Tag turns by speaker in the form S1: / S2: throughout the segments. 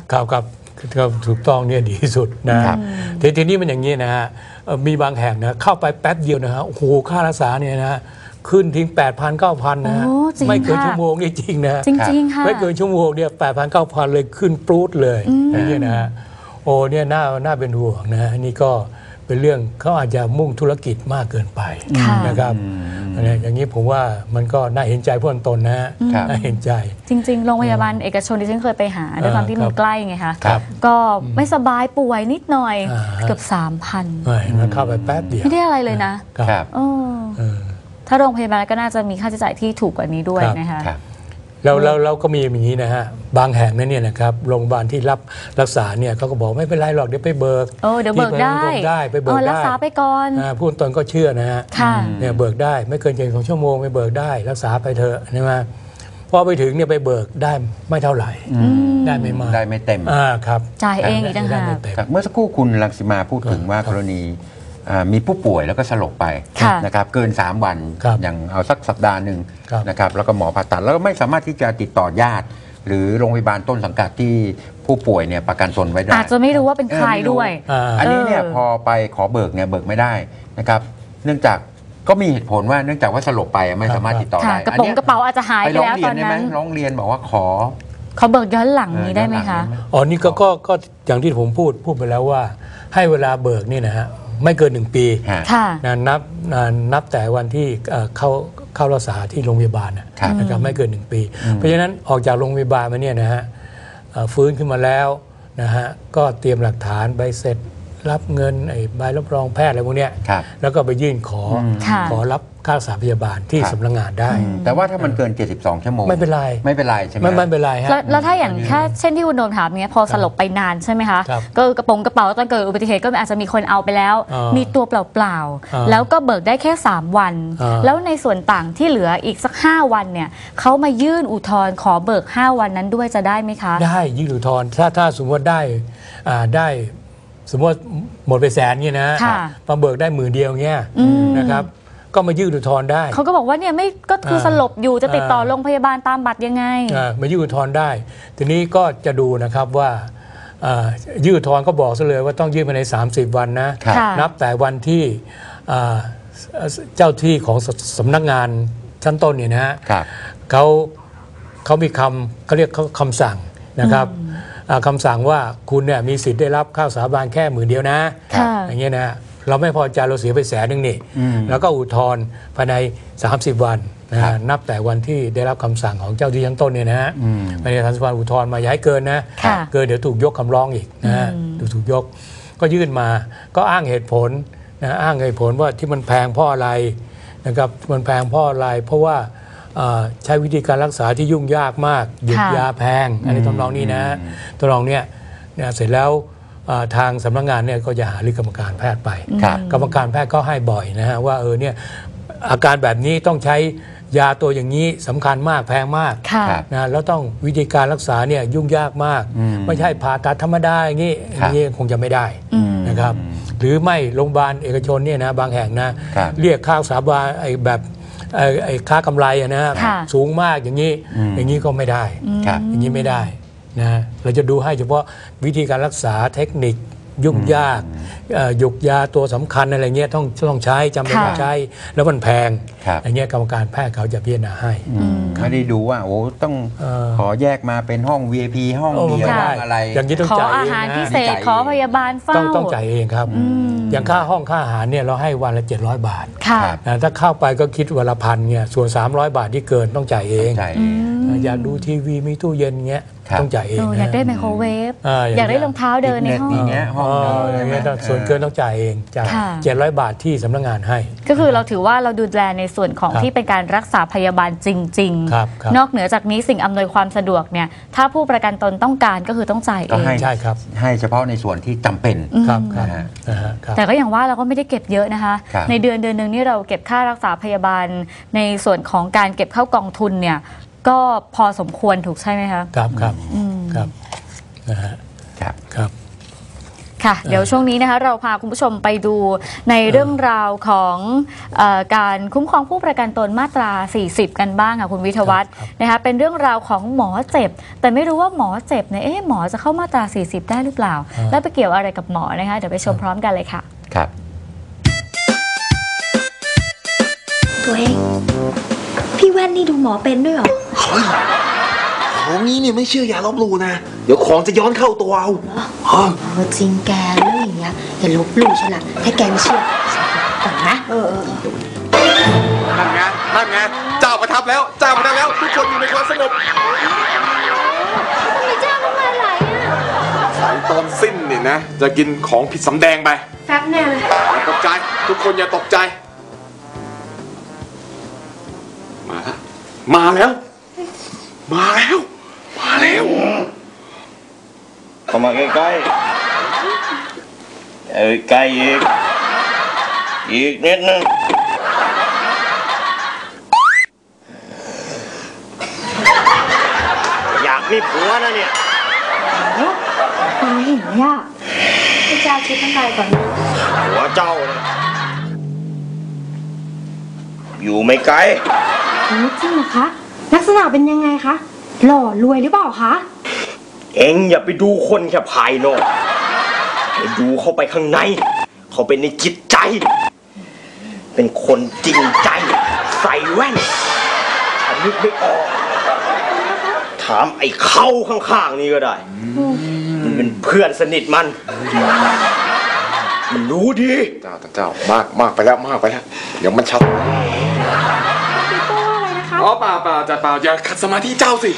S1: ครับถูกต้องเนี่ยดีที่สุดนะทีนี้มันอย่างนี้นะฮะมีบางแห่งนะเข้าไปแป๊บเดียวนะฮะโอ้โหค่ารักษาเนี่ยนะขึ้นทิ้ง 8,000 9,000 นะฮะไม่เกินชั่วโมงนี่จริงนะ
S2: จริงๆค่ะ
S1: ไม่เกินชั่วโมงเนี่ย 8,000 9,000 เลยขึ้นปรูดเลยอย่างนี้นะฮะโอ้เนี่ยน่าเป็นห่วงนะนี่ก็เป็นเรื่องเขาอาจจะมุ่งธุรกิจมากเกินไปนะครับอย่างนี้ผมว่ามันก็น่าเห็นใจผู้ตนนะฮะน่าเห็นใจ
S2: จริงๆโรงพยาบาลเอกชนที่ฉันเคยไปหาด้วยความที่มันใกล้ไงคะก็ไม่สบายป่วยนิดหน่อยเกือบ 3,000
S1: มันเข้าไปแป๊บเดียว
S2: ไม่ได้อะไรเลยนะถ้าโรงพยาบาลก็น่าจะมีค่าใช้จ่ายที่ถูกกว่านี้ด้วยนะคะ
S1: เราก็มีอย่างนี้นะฮะบางแห่งนั้นเนี่ยนะครับโรงพยาบาลที่รับรักษาเนี่ยเขาก็บอกไม่เป็นไรหรอกเดี๋ยวไปเบิก
S2: เดี๋ยวเบิกได้
S1: ไปเบิกได้
S2: รักษาไปก่อน
S1: ผู้ตนก็เชื่อนะฮะเนี่ยเบิกได้ไม่เกิน2 ชั่วโมงไปเบิกได้รักษาไปเถอะใช่ไหมพอไปถึงเนี่ยไปเบิกได้ไม่เท่าไหร่ได้ไม่มาก
S3: ได้ไม่เต็ม
S1: ครับ
S2: จ่ายเองอีกต่างหาก
S3: เมื่อสักครู่คุณรังสิมาพูดถึงว่ากรณีมีผู้ป่วยแล้วก็สลบไปนะครับเกิน3 วันอย่างเอาสักสัปดาห์หนึ่งนะครับแล้วก็หมอผ่าตัดแล้วก็ไม่สามารถที่จะติดต่อญาติหรือโรงพยาบาลต้นสังกัดที่ผู้ป่วยเนี่ยประกันตนไว้ได้
S2: อาจจะไม่รู้ว่าเป็นใครด้วย
S3: อันนี้เนี่ยพอไปขอเบิกเนี่ยเบิกไม่ได้นะครับเนื่องจากก็มีเหตุผลว่าเนื่องจากว่าสลบไปไม่สามารถติดต่อได้
S2: กระเป๋าอาจจะหายไปแล้วตอนนั้น
S3: ร้องเรียนบอกว่าขอ
S2: เบิกย้อนหลังนี้ได้ไหมคะ
S1: นี่ก็อย่างที่ผมพูดไปแล้วว่าให้เวลาเบิกนี่นะฮะไม่เกิน1 ปีนับแต่วันที่เข้ารักษาที่โรงพยาบาลนะครับไม่เกิน1 ปีเพราะฉะนั้นออกจากโรงพยาบาลมาเนี่ยนะฮะฟื้นขึ้นมาแล้วนะฮะก็เตรียมหลักฐานใบเสร็จรับเงินใบรับรองแพทย์อะไรพวกนี้แล้วก็ไปยื่นขอรับค่ารักษาพยาบาลที่สำนักงานได้
S3: แต่ว่าถ้ามันเกิน72 ชั่วโมง
S1: ไม่เป็นไร
S3: ใช่ไหม
S1: ไม่เป็นไรฮะ
S2: แล้วถ้าอย่างแค่เช่นที่คุณโดมถามเนี้ยพอสลบไปนานใช่ไหมคะก็กระเป๋าตอนเกิดอุบัติเหตุก็อาจจะมีคนเอาไปแล้วมีตัวเปล่าๆแล้วก็เบิกได้แค่3 วันแล้วในส่วนต่างที่เหลืออีกสัก5 วันเนี่ยเขามายื่นอุทธรณ์ขอเบิก5 วันนั้นด้วยจะได้ไหมคะ
S1: ได้ยื่นอุทธรณ์ถ้าสมมติว่าได้สมมติหมดไป100,000เนี่ยนะมาเบิกได้10,000 เดียวเงี้ยนะครับก็มายื่นอุทธรณ์ได้
S2: เขาก็บอกว่าเนี่ยไม่ก็คือสลบอยู่จะติดต่อโรงพยาบาลตามบัตรยังไง
S1: มายื่นอุทธรณ์ได้ทีนี้ก็จะดูนะครับว่ายื่นอุทธรณ์ก็บอกซะเลยว่าต้องยื่นภายใน30 วันนะนับแต่วันที่เจ้าที่ของสำนักงานชั้นต้นเนี่ยนะฮะเขามีเขาเรียกคำสั่งนะครับคำสั่งว่าคุณเนี่ยมีสิทธิ์ได้รับค่ารักษาพยาบาลแค่10,000 เดียวนะอย่างเงี้ยนะเราไม่พอใจเราเสียไป100,000นี่แล้วก็อุทธรณ์ภายใน30 วันนะนับแต่วันที่ได้รับคำสั่งของเจ้าที่ชั้นต้นเนี่ยนะฮะภายใน30 วันอุทธรณ์มาอย่าให้เกินนะเกินเดี๋ยวถูกยกคำร้องอีกนะฮะถูกยกก็ยื่นมาก็อ้างเหตุผลนะอ้างเหตุผลว่าที่มันแพงเพราะอะไรนะครับมันแพงเพราะอะไรเพราะว่าใช้วิธีการรักษาที่ยุ่งยากมากหยุดยาแพงอะไรทำนองนี้นะทำนองเนี้ยเสร็จแล้วทางสำนักงานเนี่ยก็จะหารือกรรมการแพทย์ไปกรรมการแพทย์ก็ให้บ่อยนะฮะว่าเนี่ยอาการแบบนี้ต้องใช้ยาตัวอย่างนี้สำคัญมากแพงมากนะแล้วต้องวิธีการรักษาเนี่ยยุ่งยากมากไม่ใช่ผ่าตัดธรรมดาอย่างนี้คงจะไม่ได้นะครับหรือไม่โรงพยาบาลเอกชนเนี่ยนะบางแห่งนะเรียกค่ารักษาบาลแบบค่ากำไรนะสูงมากอย่างนี้ก็ไม่ได้อย่างนี้ไม่ได้นะเราจะดูให้เฉพาะวิธีการรักษาเทคนิคยุ่งยากหยุกยาตัวสำคัญอะไรเงี้ยต้องใช้จำเป็นต้องใช้แล้วมันแพงอย่างเงี้ยกรรมการแพทย์เขาจะพิจารณาให้
S3: ไม่ได้ดูว่าต้องขอแยกมาเป็นห้อง VIP ห้องเดียวอะไร
S1: อย่างนี้ต้องจ่ายเองนะขออา
S2: หารพิเศษขอพยาบาลเฝ้า
S1: ต้องจ่ายเองครับอย่างค่าห้องค่าอาหารเนี่ยเราให้วันละ700 บาทถ้าเข้าไปก็คิดวันละ1,000เนี่ยส่วน300 บาทที่เกินต้องจ่ายเองอยากดูทีวีมีตู้เย็นเงี้ยต้องจ่ายเอง
S2: อยากได้ไมโครเวฟอยากได้รองเท้าเดินในห้อง
S3: อย่างเงี้ย
S1: ส่วนเกินต้องจ่ายเองจ่าย700 บาทที่สำนักงานให้
S2: ก็คือเราถือว่าเราดูแลในส่วนของที่เป็นการรักษาพยาบาลจริงๆนอกเหนือจากนี้สิ่งอำนวยความสะดวกเนี่ยถ้าผู้ประกันตนต้องการก็คือต้องจ่ายเอง
S1: ใช่ครับ
S3: ให้เฉพาะในส่วนที่จำเป็น
S1: ครับ
S2: แต่ก็อย่างว่าเราก็ไม่ได้เก็บเยอะนะคะในเดือนนึงนี่เราเก็บค่ารักษาพยาบาลในส่วนของการเก็บเข้ากองทุนเนี่ยก็พอสมควรถูกใช่ไหมคะ
S1: ครับนะฮะครับ
S2: ค่ะค่ะเดี๋ยวช่วงนี้นะคะเราพาคุณผู้ชมไปดูในเรื่องราวของการคุ้มครองผู้ประกันตนมาตรา 40 กันบ้างค่ะคุณวิทยวัฒน์นะคะเป็นเรื่องราวของหมอเจ็บแต่ไม่รู้ว่าหมอเจ็บเนี่ยหมอจะเข้ามาตรา 40 ได้หรือเปล่าแล้วไปเกี่ยวอะไรกับหมอนะคะเดี๋ยวไปชมพร้อมกันเลยค่ะ
S3: ครับ
S4: ตัวเองพี่แว่นนี่ดูหมอเป็นด้วยเหรอ
S5: ของนี้เนี่ยไม่เชื่ออย่าลบหลู่นะเดี๋ยวของจะย้อนเข้าตัวเอา
S4: จริงแกเรื่องอย่างเงี้ยอย่าลบหลู่ฉันละถ้าแกไม่เชื่อก่อนนะ
S5: นั่นไงเจ้าประทับแล้วทุกคนอยู่ในความสงบ
S4: ทำไมเจ้าต้องมาไหล
S5: สายตอนสิ้นเนี่ยนะจะกินของผิดสำแดงไป
S4: แฟบแน่เลย
S5: อย่าตกใจทุกคนอย่าตกใจมาแล้ว
S6: เข้ามาใกล้ใกล้อีกนิดนึงอยากมีผัวนะเนี่ย
S4: ตาเห็นไหมอ่ะพี่เจ้าคิดตั้งใจก่อน
S6: ผัวเจ้านะอยู่ไม่ไกล
S4: จริงเหรอคะลักษณะเป็นยังไงคะหล่อรวยหรือเปล่าคะ
S6: เอ็งอย่าไปดูคนแค่ภายนอกให้ดูเข้าไปข้างในเขาเป็นในจิตใจเป็นคนจริงใจใส่แว่นถ้านึกไม่ออกถามไอ้เข้าข้างๆนี่ก็ได้มันเป็นเพื่อนสนิทมันรู้ดี
S5: เจ้ามากไปแล้วเดี๋ยวมันชัดอ๋อเปล่าจัดเปล่าอย่าขัดสมาธิเจ้าสิ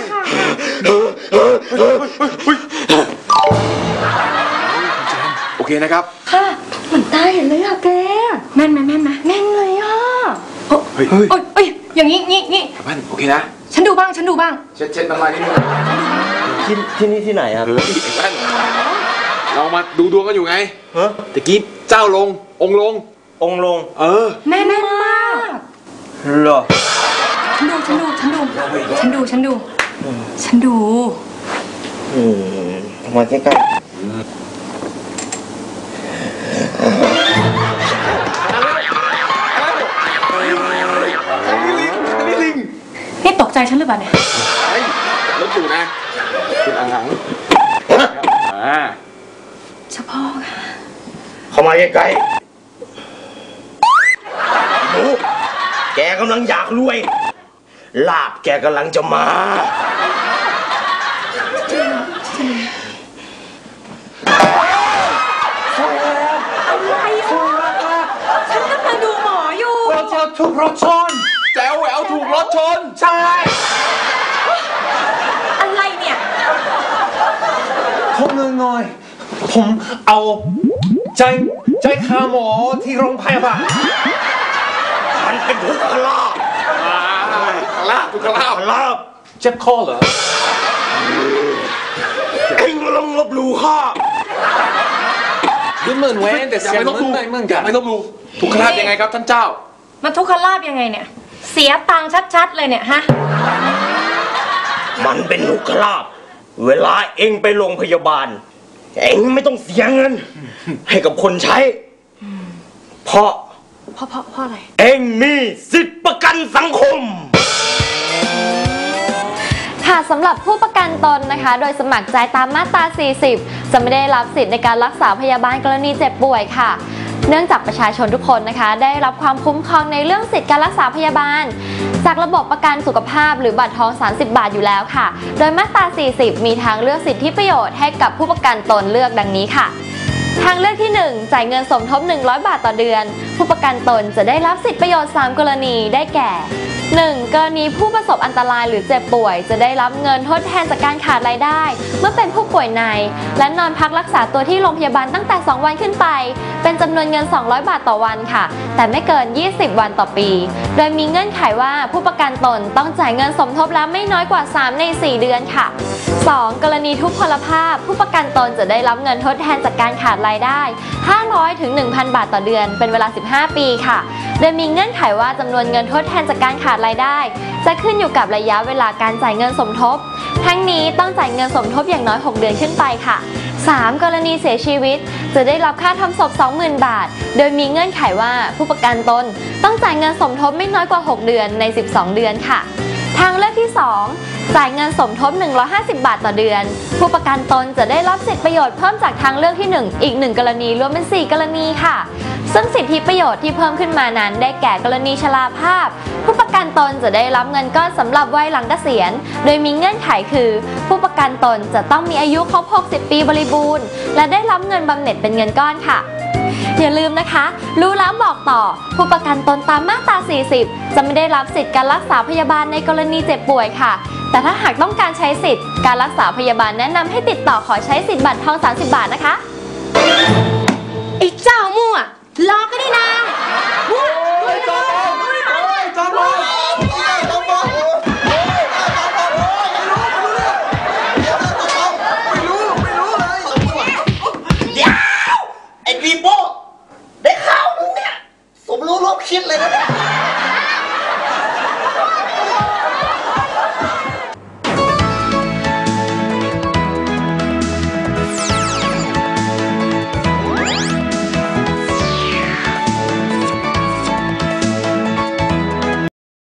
S5: โอเคนะครับ
S4: ค่ะเหมือนตาเห็นเลยอะแกแม่นเลยอะเฮ้ยอย่างงี้
S5: แม่นโอเคนะ
S4: ฉันดูบ้างเ
S5: ช็ดน้ำลายนิดนึง
S6: ที่นี่ที่ไหนครับ
S5: แม่นเรามาดูดวงกันอยู่ไงตะกี้เจ้าลงองค์ลง
S4: แม่นมาก
S6: เหรอ
S4: ฉันดู
S6: มาใกล้
S4: นี่ตกใจฉันหรือเปล่าเนี่ย
S5: รถอยู่นะคุณอ่าง
S4: เฉพาะค่ะ
S6: เข้ามาใกล้ๆดูแกกำลังอยากรวยลาบแกกำลังจะมา
S4: ฉันกำลังดูหมออยู่
S5: เราจะถูกรถชนแจ๋วแหววถูกรถชนใช่
S4: อะไรเนี่ย
S5: ขอเงินหน่อยผมเอาใจค่าหมอที่โรงพยาบาล
S6: มันเป็นทุกขลาบ
S5: เจ็บคอเหรอ
S6: เอ็งลองลบหลู่ข้า
S5: ดูเหมือนเว้นแต่อย่าไปลบหลู่ทุกขลาบยังไงครับท่านเจ้า
S4: มันทุกขลาบยังไงเนี่ยเสียตังค์ชัดๆเลยเนี่ยฮะ
S6: มันเป็นทุกขลาบเวลาเอ็งไปโรงพยาบาลเอ็งไม่ต้องเสียเงินให้กับคนใช้เพราะ
S4: อะไร
S6: เอ็งมีสิทธิประกันสังคม
S2: ค่ะสำหรับผู้ประกันตนนะคะโดยสมัครใจตามมาตรา 40 จะไม่ได้รับสิทธิ์ในการรักษาพยาบาลกรณีเจ็บป่วยค่ะเนื่องจากประชาชนทุกคนนะคะได้รับความคุ้มครองในเรื่องสิทธิการรักษาพยาบาลจากระบบประกันสุขภาพหรือบัตรทอง30 บาทอยู่แล้วค่ะโดยมาตรา 40 มีทางเลือกสิทธิประโยชน์ให้กับผู้ประกันตนเลือกดังนี้ค่ะทางเลือกที่ 1 จ่ายเงินสมทบ100 บาทต่อเดือนผู้ประกันตนจะได้รับสิทธิประโยชน์3กรณีได้แก่ 1. กรณีผู้ประสบอันตรายหรือเจ็บป่วยจะได้รับเงินทดแทนจากการขาดรายได้เมื่อเป็นผู้ป่วยในและนอนพักรักษาตัวที่โรงพยาบาลตั้งแต่2 วันขึ้นไปเป็นจำนวนเงิน200 บาทต่อวันค่ะแต่ไม่เกิน20 วันต่อปีโดยมีเงื่อนไขว่าผู้ประกันตนต้องจ่ายเงินสมทบแล้วไม่น้อยกว่า3 ใน 4 เดือนค่ะ 2. กรณีทุพพลภาพผู้ประกันตนจะได้รับเงินทดแทนจากการขาดรายได้500 ถึง 1,000 บาทต่อเดือนเป็นเวลา15 ปีค่ะโดยมีเงื่อนไขว่าจำนวนเงินทดแทนจากการขาดรายได้จะขึ้นอยู่กับระยะเวลาการจ่ายเงินสมทบทั้งนี้ต้องจ่ายเงินสมทบอย่างน้อย6 เดือนขึ้นไปค่ะ
S4: 3. กรณีเสียชีวิตจะได้รับค่าทำศพ 20,000 บาทโดยมีเงื่อนไขว่าผู้ประกันตนต้องจ่ายเงินสมทบไม่น้อยกว่า 6 เดือนใน 12 เดือนค่ะทางเลือกที่ 2 จ่ายเงินสมทบ 150 บาทต่อเดือนผู้ประกันตนจะได้รับสิทธิประโยชน์เพิ่มจากทางเลือกที่ 1 อีก 1 กรณีรวมเป็น 4 กรณีค่ะซึ่งสิทธิประโยชน์ที่เพิ่มขึ้นมานั้นได้แก่กรณีชราภาพผู้ประกันตนจะได้รับเงินก้อนสำหรับวัยหลังเกษียณโดยมีเงื่อนไขคือผู้ประกันตนจะต้องมีอายุครบ 60 ปีบริบูรณ์และได้รับเงินบำเหน็จเป็นเงินก้อนค่ะอย่าลืมนะคะรู้แล้วบอกต่อผู้ประกันตนตามมาตรา 40 จะไม่ได้รับสิทธิการรักษาพยาบาลในกรณีเจ็บป่วยค่ะแต่ถ้าหากต้องการใช้สิทธิ์การรักษาพยาบาลแนะนำให้ติดต่อขอใช้สิทธิ์บัตรทอง30 บาทนะคะไอ้เจ้ามั่วรอก็ได้นะ